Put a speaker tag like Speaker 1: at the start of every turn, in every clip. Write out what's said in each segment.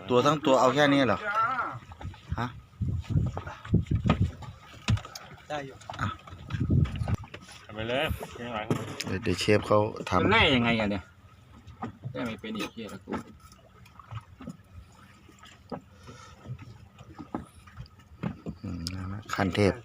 Speaker 1: ตัวทั้งตัวเอาแค่นี้เหรอฮะ
Speaker 2: ได้อยู่
Speaker 3: ทำไปเลยยังไง
Speaker 1: เดี๋ยวเชฟเขาทำ
Speaker 3: แน่ยังไงอะเนี่ยแน่ไม่เป็นอีกเหี้ยละกู
Speaker 1: ขั้นเทพ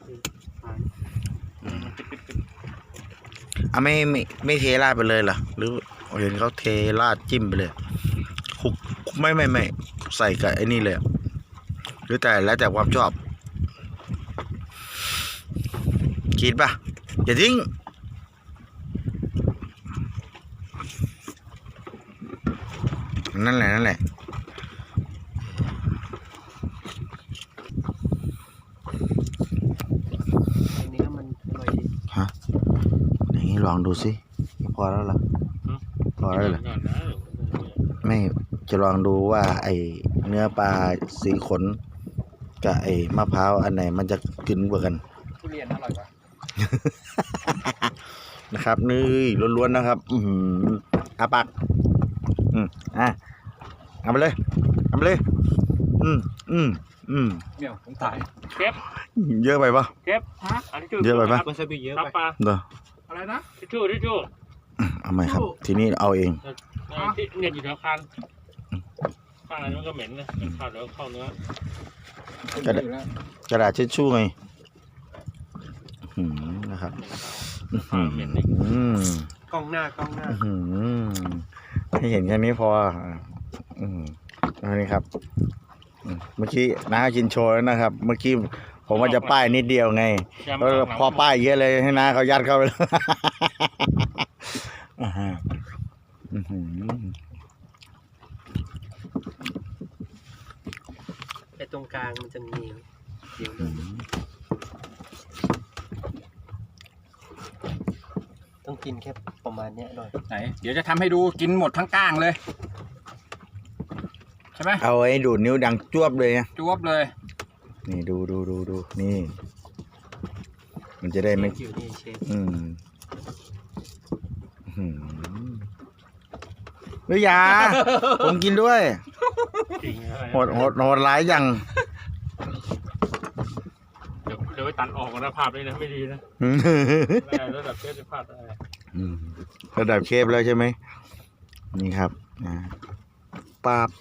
Speaker 1: ไม่เทราดไปเลยเหรอหรือเห็นเขาเทราดจิ้มไปเลยคุกไม่ใส่กับไอ้นี่เลยหรือแต่แล้วแต่ความชอบคิดป่ะอย่าทิ้งนั่นแหละ
Speaker 2: อันนี้มันอร่อยดี
Speaker 1: ฮะอย่างนี้ลองดูสิพอแล้วเหรอพอแล้วเหรอไม่จะลองดูว่าไอเนื้อปลาสีขนกับไอมะพร้าวอันไหนมันจะกินกว่ากัน
Speaker 3: ทุเรียนอร่อยกว่า
Speaker 1: นะครับนี่ล้วนๆนะครับอาปากเอาไปเลยเอาไปเลยเ
Speaker 3: ดี๋ยวผมตายเก็บ
Speaker 1: เยอะไปปะ
Speaker 3: เก็บ
Speaker 1: เยอะไปปะ
Speaker 2: วาซาบิเยอะไป
Speaker 1: เด้อ
Speaker 3: อะไรนะทิชชู่
Speaker 1: เอาไหมครับทีนี้เอาเอง
Speaker 3: ที่เนี่ยอยู่แถวคันข้างอะไรมันก็เหม็นนะข้าวเดี๋ยวเข้าเนื้อก
Speaker 1: ระดาษเช็ดชู่ไงนะครับ
Speaker 2: กล้องหน้า
Speaker 1: ให้เห็นแค่นี้พออันนี้ครับเมื่อกี้น้ากินโชว์แล้วนะครับเมื่อกี้ผมว่าจะป้ายนิดเดียวไงพอป้ายเยอะเลยให้น้าเขายัดเข้าไป
Speaker 2: ไอ้ตรงกลางมันจะมีเดี๋ยวต้องกินแค่ประมาณนี้หน่อย
Speaker 3: ไหนเดี๋ยวจะทำให้ดูกินหมดทั้งก้างเลยใช่ไหม
Speaker 1: เอาไอ้ดูดนิ้วดังจวบเลยนะ
Speaker 3: จวบเลย
Speaker 1: นี่ดูนี่มันจะได้ไม่เฮ้ยยาผมกินด้วยโหดร้ายยัง
Speaker 3: เดี๋ยวไปตัดออกนะภาพนี้นะไม่ดีนะระดับเชฟจะพลาดได้
Speaker 1: ระดับเชฟแล้วใช่ไหมนี่ครับป๊าบ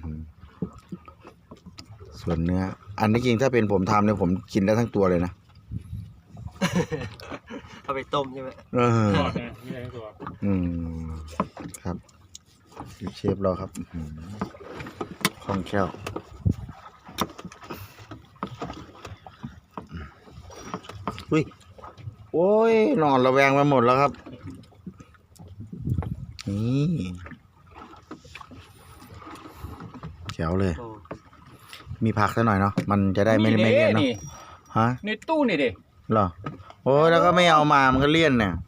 Speaker 1: ส่วนเนื้ออันนี้จริงถ้าเป็นผมทำเนี่ยผมกินได้ทั้งตัวเลยนะ
Speaker 2: เอาไปต้มใช่ไหม
Speaker 1: ครับเชฟเราครับคล่องแคล่วอุ้ยโอ้ยนอนระแวงไปหมดแล้วครับนี่แจ๋วเลยมีผักซะหน่อยเนาะมันจะได้ไม่เลี่ยนเนาะฮะ
Speaker 3: ในตู้นี่ดิ
Speaker 1: เหรอโอ้ยแล้วก็ไม่เอามามันก็เลี่ยนเนี่ย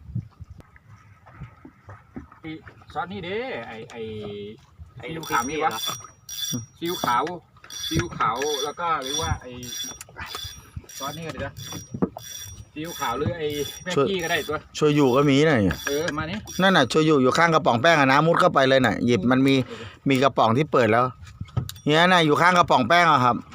Speaker 3: ซอสนี่ดิไอ้ลูกขาวนี่วะซีอิ๊วขาวแล้วก็หรือว่าไอ้ซอสนี่ก็ได้นะซีอิ๊วขาวหรือไอ้แป้งกี้ก็ได้ตัว
Speaker 1: โชยุก็มีน่ะ
Speaker 3: มานี่
Speaker 1: นั่นน่ะโชยุอยู่ข้างกระป๋องแป้งอะนะมุดเข้าไปเลยน่ะหยิบมันมีกระป๋องที่เปิดแล้วเนี่ยน่ะอยู่ข้างกระป๋องแป้งอะครับ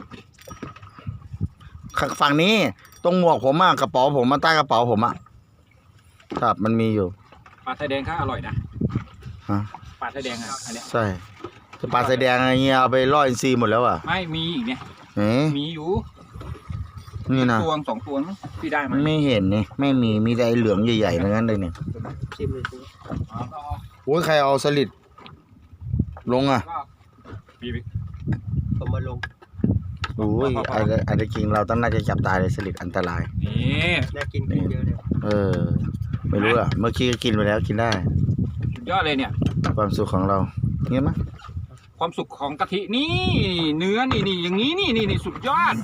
Speaker 1: ฝั่งนี้ตรงหมวกผมอะกระเป๋าผมมาใต้กระเป๋าผมอะครับมันมีอยู่
Speaker 3: ปลาไทยแดงก็อร่อยนะ
Speaker 1: ฮะ
Speaker 3: ปลาไทยแดงอะอันนี้
Speaker 1: ใช่ปลาไทยแดงอะไรเงี้ยเอาไปล่ออินทรีหมดแล้วอะ
Speaker 3: ไม่มีอีกเนี่ยมีอยู่
Speaker 1: นี่นะ
Speaker 3: ตัว2 ตัวที่ได้มา
Speaker 1: ไม่เห็นนี่ไม่มีแต่เหลืองใหญ่ๆนั้นเลยเนี่ยโอ้ยใครเอาสลิดลงอะ
Speaker 2: ผมมาลง
Speaker 1: โอ้ยอะไรจริงเราต้องน่าจะจับตายเลยสลิดอันตราย
Speaker 3: นี่
Speaker 2: น่ากินเยอะ
Speaker 1: เลยไม่รู้อะเมื่อกี้ก็กินไปแล้วกินได้
Speaker 3: สุดยอดเลยเนี่ย
Speaker 1: ความสุขของเราเงี้ยมั้ย
Speaker 3: ความสุขของกะทินี่เนื้อนี่อย่างนี้นี่สุดยอด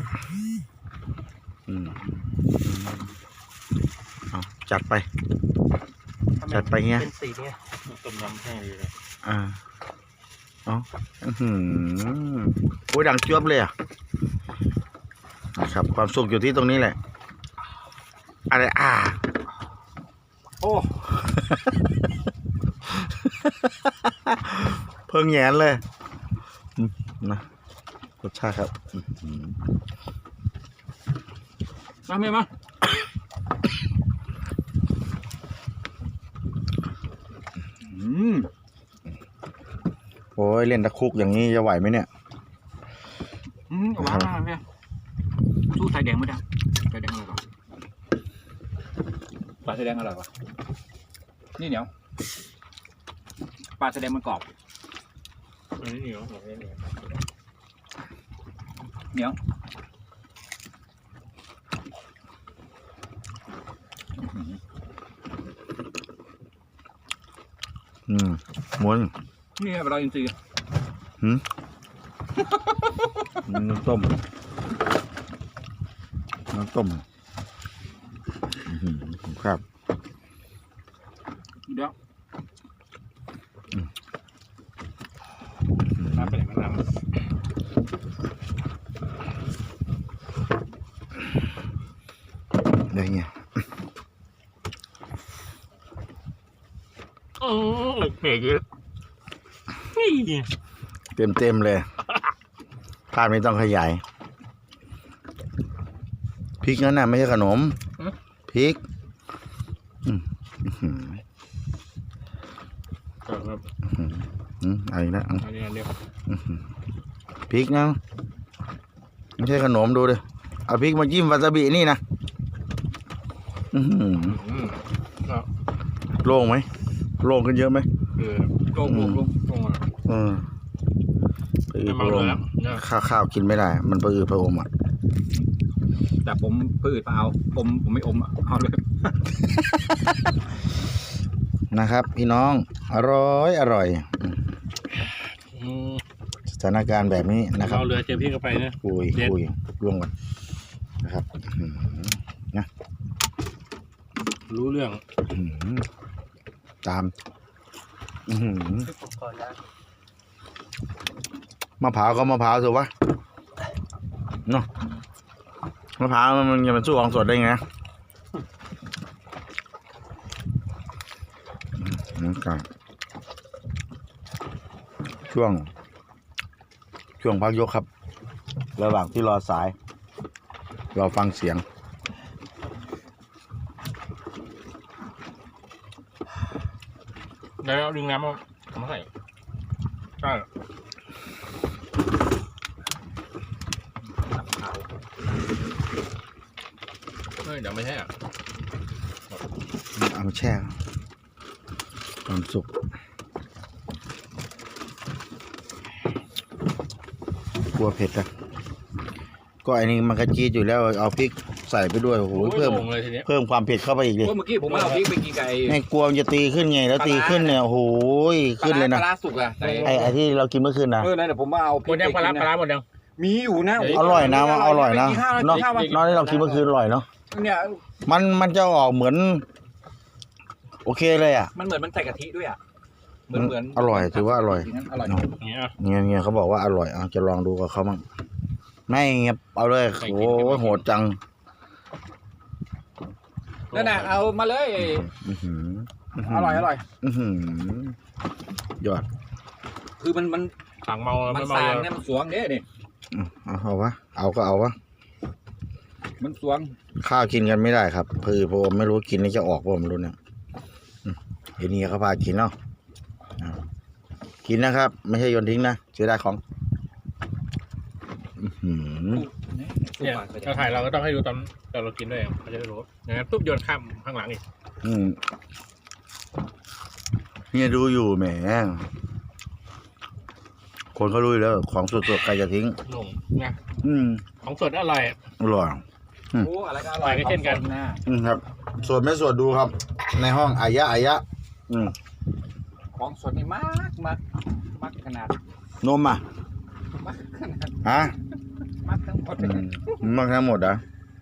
Speaker 1: จัดไปเงี้ย
Speaker 2: เป็นสีเนี่ย
Speaker 3: ต้มยำแห้งเลย
Speaker 1: โอ้ยดังจ้วบเลยอ่ะนะครับความสุขอยู่ที่ตรงนี้แหละอะไร
Speaker 3: โอ้
Speaker 1: เพิ่งแงนเลยนะรสชาติครับอื้อหือ
Speaker 3: มาเมียมา
Speaker 1: โอ้ยเล่นตะคุกอย่างนี้จะไหวไหมเนี่ย
Speaker 3: หวานมากเมียสู้สายแดงไม่ได้สายแดงอร่อยกว่าปลาสายแดงอร่อยกว่านี่เหนียวปลาสายแดงมันกรอบอันนี้เหนียวเหนียว
Speaker 1: ม้วน
Speaker 3: นี่ไงเราอินทรีย์
Speaker 1: น้ำต้มครับ
Speaker 3: เดี๋ยวน้ำไปไหนมันน้ำ
Speaker 1: ได้ไง
Speaker 2: เผ็ดเยอะนี่
Speaker 1: เต็มเลยภาพนี้ต้องขยายพริกนั่นน่ะไม่ใช่ขนมพริกเอาอีกแล้วพริกนะไม่ใช่ขนมดูดิเอาพริกมาจิ้มวาซาบินี่นะโล่งไหมโล่งกันเยอะไหม
Speaker 3: โล่ง
Speaker 1: ข้าวกินไม่ได้มันประอืดประอมอ่ะ
Speaker 3: แต่ผมประอืดเปล่าผมไม่อมอ่ะเอาเลย
Speaker 1: นะครับพี่น้องอร่อยสถานการณ์แบบนี้นะครับ
Speaker 2: เอาเรือเจอพี่เข้าไปนะ
Speaker 1: คุยร่วงกันนะครับนะ
Speaker 2: รู้เรื่อง
Speaker 1: ตามมะพร้าวก็มะพร้าวถูกปะเนาะมะพร้าวมันจะมาสู้ของสดได้ไงนะครับช่วงพักยกครับระหว่างที่รอสายเราฟังเสียง
Speaker 2: แล้วดึงน้ำมาใส่ใช่เดี๋ยวไม่ใช่อ่ะ
Speaker 1: เอามาแช่ความสุกกลัวเผ็ดนะก็อันนี้มันกระจี๊ดอยู่แล้วเอาพริกใส่ไปด้วยโอ้โหเพิ่มความเผ็ดเข้าไปอีกเลย
Speaker 3: เมื่อกี้ผมเอาพริกไปกินไก่
Speaker 1: ให้กลัวมันจะตีขึ้นไงแล้วตีขึ้นเนี่ยโอ้โหขึ้นเลยนะ
Speaker 3: ปลาสุกอะ
Speaker 1: ไอ้ที่เรากินเมื่อคืนนะ
Speaker 3: นั่นเดี๋ยวผมมาเอา
Speaker 2: พริกไปกินปลาหมดยัง
Speaker 3: มีอยู่นะ
Speaker 1: อร่อยนะอร่อยนะนอกที่เรากินเมื่อคืนอร่อยเนาะ
Speaker 3: เนี่ย
Speaker 1: มันจะออกเหมือนโอเคเลยอ่ะ
Speaker 3: มันเหมือนมันใส่กะทิด้วยอ่ะเหมือน
Speaker 1: อร่อยถือว่าอร่อย
Speaker 2: เนี่ย
Speaker 1: เขาบอกว่าอร่อยจะลองดูกับเขาบ้างไม่เงียบเอาเลยโอ้โหดจัง
Speaker 3: นั่นน่ะเอามาเลยอร่อย
Speaker 1: ยอด
Speaker 3: คือมัน
Speaker 2: สั่งเมา
Speaker 3: มันสางเนี่ยมันสวงเนี่ยนี่
Speaker 1: เอาวะเอาก็เอาวะ
Speaker 3: มันสวง
Speaker 1: ข้าวกินกันไม่ได้ครับผมไม่รู้กินนี่จะออกผมรู้เนี่ยเดี๋ยวนี้เขาพากินเนาะกินนะครับไม่ใช่โยนทิ้งนะเสียดายของ
Speaker 2: เนี่ยเราถ่ายเราก็ต้องให้ดูตอนเรากินด้วยเขาจะได้รู้อย่างนั้นปุ๊บโยนข้ามข้างหลังอีก
Speaker 1: เนี่ยดูอยู่แหมคนเขารู้แล้วของสดๆใครจะทิ้ง
Speaker 2: ลงนะของสดอร่อย
Speaker 3: โอ้อะไรก็อร่อย
Speaker 2: ก็เช่นกัน
Speaker 1: ครับสดไม่สดดูครับในห้องอายะ
Speaker 3: ของสดนี่มากขนาด
Speaker 1: นมอ่ะ
Speaker 3: มากขนาด
Speaker 1: ฮะ
Speaker 3: มากทั้งหมด
Speaker 1: มากทั้งหมดอ่ะ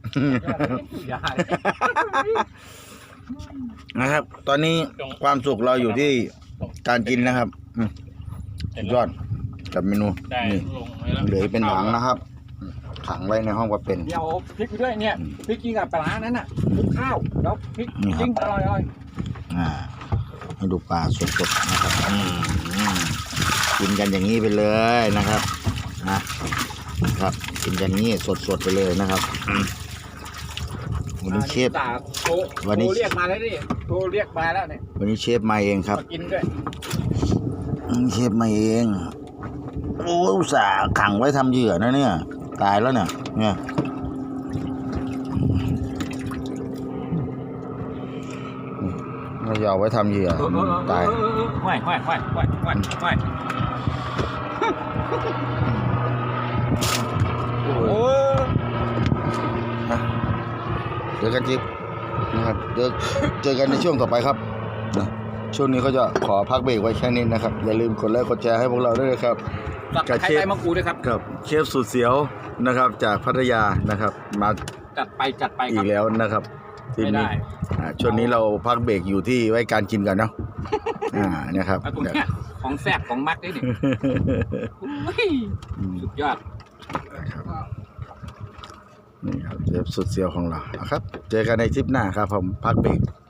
Speaker 1: นะครับตอนนี้ความสุขเราอยู่ที่การกินนะครับยอดกับเมนูนี่เหลือเป็นถังนะครับถังไว้ในห้องว่าเป็น
Speaker 3: เดี๋ยวพริกด้วยเนี่ยพริกกินกับปลานั้นน่ะคลุกข้าวแล้วพริกจิ้งอร่อย
Speaker 1: ให้ดูปลาสดๆนะครับกินกันอย่างนี้ไปเลยนะครับนะนะครับกินอย่างนี้สดๆไปเลยนะครับวันนี้เชฟ วันนี้
Speaker 3: โทรเรียกมาแล้วนี่โทรเรียกมาแล้วเนี่ย
Speaker 1: วันนี้เชฟมาเองครับ
Speaker 3: มากินด้วย
Speaker 1: เชฟมาเองโอ้อุตส่าห์ขังไว้ทำเหยื่อนะเนี่ยตายแล้วเนี่ยเราจะเอาไว้ทำเหยื่อตาย
Speaker 3: ห้อยโอ้
Speaker 1: เจอกันจิ๊บนะครับเดี๋ยวเจอกันในช่วงต่อไปครับนะช่วงนี้เขาจะขอพักเบรกไว้แค่นี้นะครับอย่าลืมกดไลค์กดแชร์ให้พวกเราด้วยนะครับ
Speaker 3: กับไข่ไก่มังกูด้วยครับ
Speaker 1: กับเชฟสุดเสียวนะครับจากพัทยานะครับมา
Speaker 3: จัดไปค
Speaker 1: อี
Speaker 3: รับ
Speaker 1: กแล้วนะครับที
Speaker 3: ไม่
Speaker 1: นี้
Speaker 3: ได้
Speaker 1: ช่วงนี้เราพักเบรกอยู่ที่ไว้การกินกันเนาะนะครับ
Speaker 3: เอาตรงเนี้ยของแซ่บของมักได้เนี่ยสุดยอด
Speaker 1: นี่ครับเชฟสุดเสียวของเรานะครับเจอกันในคลิปหน้าครับผมพักเบรก